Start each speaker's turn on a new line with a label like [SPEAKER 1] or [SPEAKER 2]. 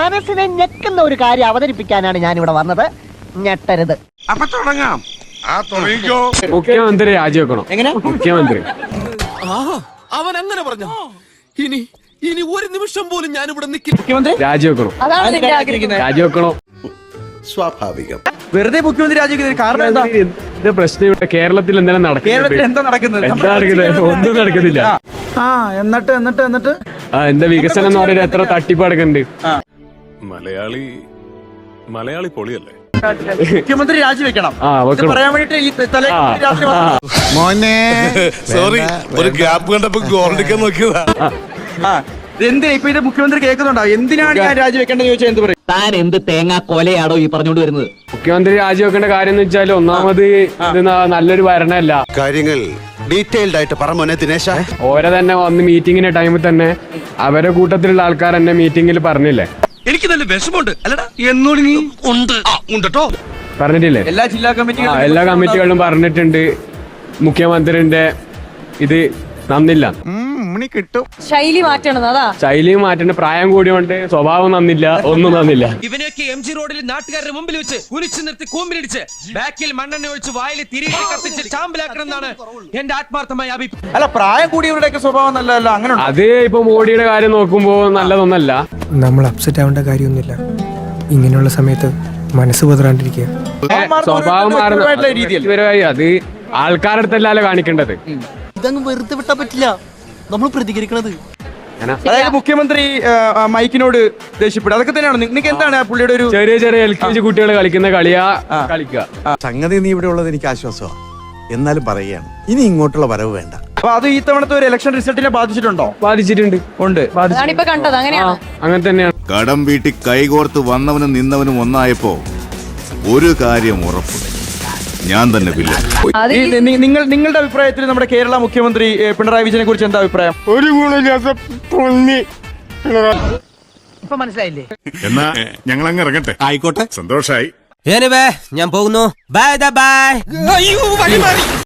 [SPEAKER 1] മനസ്സിനെ ഞെക്കുന്ന ഒരു കാര്യം അവതരിപ്പിക്കാനാണ് ഞാൻ ഇവിടെ വന്നത്. ഞെട്ടരുത്.
[SPEAKER 2] അപ്പൊ തുടങ്ങാം.
[SPEAKER 3] മുഖ്യമന്ത്രി രാജിവെക്കണം.
[SPEAKER 1] എങ്ങനെ?
[SPEAKER 3] മുഖ്യമന്ത്രി
[SPEAKER 4] അവൻ അങ്ങനെ പറഞ്ഞു. ഇനി ഒരു നിമിഷം പോലും ഞാൻ ഇവിടെ നിൽക്കില്ല.
[SPEAKER 1] മുഖ്യമന്ത്രി
[SPEAKER 3] രാജിവെക്കണം. രാജിവെക്കണോ?
[SPEAKER 2] സ്വാഭാവികം.
[SPEAKER 5] വെറുതെ മുഖ്യമന്ത്രി രാജിവെക്കുന്ന കാരണം എന്താ?
[SPEAKER 3] ഇത് പ്രശ്നം ഇവിടെ കേരളത്തിൽ എന്തെങ്കിലും
[SPEAKER 5] കേരളത്തിൽ എന്താ നടക്കുന്നത്?
[SPEAKER 3] ഒന്നും നടക്കുന്നില്ല.
[SPEAKER 5] എന്നിട്ട്
[SPEAKER 3] എന്താ വികസനം എന്ന് പറയുന്നത്? എത്ര തട്ടിപ്പ് നടക്കുന്നുണ്ട്.
[SPEAKER 6] മലയാളി പൊളിയല്ലേ?
[SPEAKER 5] മുഖ്യമന്ത്രി രാജിവെക്കണം
[SPEAKER 3] വെക്കണം.
[SPEAKER 5] പറയാൻ വേണ്ടിട്ട്
[SPEAKER 2] മോനെ സോറി, ഒരു ഗ്യാപ്പ് കണ്ടപ്പോ ഗോൾഡിക്കാൻ നോക്കിയതാ.
[SPEAKER 5] എന്തിനാ ഇപ്പൊ ഇത് മുഖ്യമന്ത്രി കേൾക്കുന്നുണ്ടോ? എന്തിനാണ് ഞാൻ രാജിവെക്കേണ്ടത് ചോദിച്ചാൽ എന്ത് പറയും?
[SPEAKER 1] താൻ എന്ത് തേങ്ങാ കൊലയാടോ ഈ പറഞ്ഞുകൊണ്ട് വരുന്നത്?
[SPEAKER 3] മുഖ്യമന്ത്രി രാജിവെക്കേണ്ട കാര്യം എന്ന് വെച്ചാൽ ഒന്നാമത് ഇത് നല്ലൊരു ഭരണമല്ല.
[SPEAKER 2] കാര്യങ്ങൾ ഡീറ്റെയിൽഡ് ആയിട്ട് പറ മോനെ ദിനേശ.
[SPEAKER 3] ഓരെ തന്നെ വന്ന് മീറ്റിങ്ങിന്റെ ടൈമിൽ തന്നെ അവരെ കൂട്ടത്തിലുള്ള ആൾക്കാർ എന്നെ മീറ്റിംഗിൽ പറഞ്ഞില്ലേ?
[SPEAKER 4] എനിക്ക് നല്ല വിഷമമുണ്ട്. അല്ലടാ എന്നോട് നീ ഉണ്ട് ഉണ്ടോ
[SPEAKER 3] പറഞ്ഞിട്ടില്ലേ?
[SPEAKER 5] എല്ലാ ജില്ലാ കമ്മിറ്റികളും
[SPEAKER 3] എല്ലാ കമ്മിറ്റികളിലും പറഞ്ഞിട്ടുണ്ട് മുഖ്യമന്ത്രിന്റെ ഇത് നന്നില്ല.
[SPEAKER 7] ശൈലി മാറ്റണം. അതാ
[SPEAKER 3] ശൈലി മാറ്റേണ്ട. പ്രായം കൂടിയോണ്ട് സ്വഭാവം നന്നില്ല, ഒന്നും നന്നില്ല.
[SPEAKER 4] ഇവനെയൊക്കെ MG റോഡിൽ നാട്ടുകാരുടെ മുമ്പിൽ വെച്ച് കുലിച്ചു നിർത്തി കൂമ്പിലിടിച്ച് ബാക്കിൽ മണ്ണെണ്ണ ഒഴിച്ച് വായിൽ തിരികെ കത്തിച്ച് ചാമ്പലാക്കണം എന്നാണ് എന്റെ ആത്മാർത്ഥമായ അഭിപ്രായം.
[SPEAKER 5] അല്ല, പ്രായം കൂടിയവരുടെയൊക്കെ സ്വഭാവം നല്ലതല്ല. അങ്ങനെ
[SPEAKER 3] അത് ഇപ്പൊ മോഡിയുടെ കാര്യം നോക്കുമ്പോ നല്ലതൊന്നല്ല.
[SPEAKER 8] നമ്മൾ അപ്സെറ്റ് ആവേണ്ട കാര്യമൊന്നുമില്ല. ഇങ്ങനെയുള്ള സമയത്ത് മനസ്സ് പതറാണ്ടിരിക്കുക.
[SPEAKER 3] സ്വഭാവം മാറുന്ന
[SPEAKER 5] രീതിയിൽ
[SPEAKER 3] അത് ആൾക്കാരുടെ അടുത്തല്ലല്ലോ കാണിക്കേണ്ടത്.
[SPEAKER 1] ഇതങ്ങ് വെറുതെ വിട്ടാ പറ്റില്ല. നമ്മൾ പ്രതികരിക്കണത്.
[SPEAKER 5] അതായത് മുഖ്യമന്ത്രി മൈക്കിനോട് ദേഷ്യപ്പെടും. അതൊക്കെ തന്നെയാണ്. നിങ്ങൾക്ക് എന്താണ് പുള്ളിയുടെ ഒരു
[SPEAKER 3] ചെറിയ ചെറിയ LKG കുട്ടികൾ കളിക്കുന്ന കളിയാ കളിക്കുക.
[SPEAKER 2] സംഗതി നീ ഇവിടെ ഉള്ളത് എനിക്ക് ആശ്വാസമാണ്. എന്നാലും പറയുകയാണ്, ഇനി ഇങ്ങോട്ടുള്ള വരവ് വേണ്ട.
[SPEAKER 5] അപ്പൊ അത് ഈ തവണത്തെ ഒരു ഇലക്ഷൻ റിസൾട്ടിനെ ബാധിച്ചിട്ടുണ്ടോ?
[SPEAKER 3] ബാധിച്ചിട്ടുണ്ട്.
[SPEAKER 7] അതാണിപ്പോ കണ്ടത്. അങ്ങനെയാണ്.
[SPEAKER 3] അങ്ങനെ തന്നെയാണ്.
[SPEAKER 9] കടം വീട്ടി കൈകോർത്ത് വന്നവനും നിന്നവനും ഒന്നായപ്പോ ഒരു കാര്യം ഉറപ്പ്, ഞാൻ തന്നെ വില്ലൻ.
[SPEAKER 5] നിങ്ങളുടെ അഭിപ്രായത്തിൽ നമ്മുടെ കേരള മുഖ്യമന്ത്രി പിണറായി വിജയനെ കുറിച്ച് എന്താ അഭിപ്രായം?
[SPEAKER 2] ഒരു ഗുണമില്ലാത്ത
[SPEAKER 1] ഇപ്പൊ മനസ്സിലായില്ലേ?
[SPEAKER 6] എന്നാ ഞങ്ങൾ അങ്ങ് ഇറങ്ങട്ടെ.
[SPEAKER 2] ആയിക്കോട്ടെ,
[SPEAKER 6] സന്തോഷായി.
[SPEAKER 4] ഞാൻ പോകുന്നു. ബൈ.